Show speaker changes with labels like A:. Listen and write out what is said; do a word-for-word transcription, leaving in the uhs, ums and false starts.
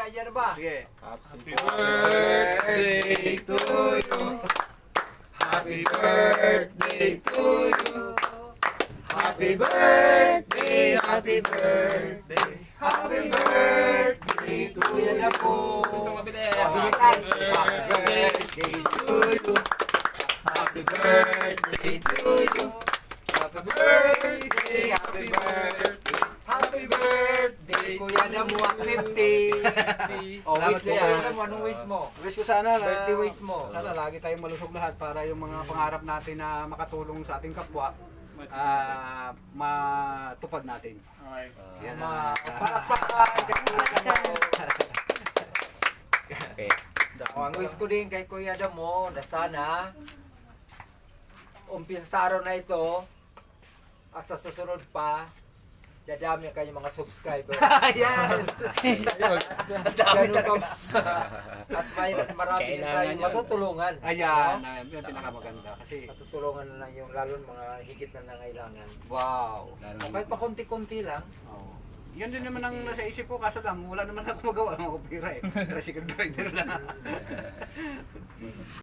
A: ayan na ba?
B: Sige.
C: Happy birthday to you. Happy birthday to you. Happy birthday, happy birthday, happy birthday to you.
A: Gusto mabilis.
C: Happy birthday to you. Happy birthday to you. Happy birthday, happy birthday, happy birthday.
A: Kuya na mo ang fifty. O, wish ko yan. Anong wish mo?
B: Wish ko sana na,
A: Birthday wish mo.
B: sana lagi tayong malusog lahat para yung mga pangarap natin na makatulong sa ating kapwa, ah, matupad natin. Yan
A: Ma,
B: na.
A: palakpakan kay Kuya Damo.
C: Okay.
A: O, ang wish ko din kay Kuya Damo na sana umpisa sa araw na ito at sa susunod pa dadami ang kanyang mga subscriber.
B: Ayan!
A: Ganun ka. At may marami din
C: Kailangan
A: tayong
C: yun.
A: matutulungan.
B: Ayan, ayan, yun ang pinakamaganda kasi
A: Matutulungan na lang yung lalo mga higit na nangailangan.
B: wow.
A: O, kahit pa konti-konti lang.
B: Oh. Yan din naman ang nasa isip ko, kaso lang wala naman ako magawa ng opera eh. Tricycle rider lang.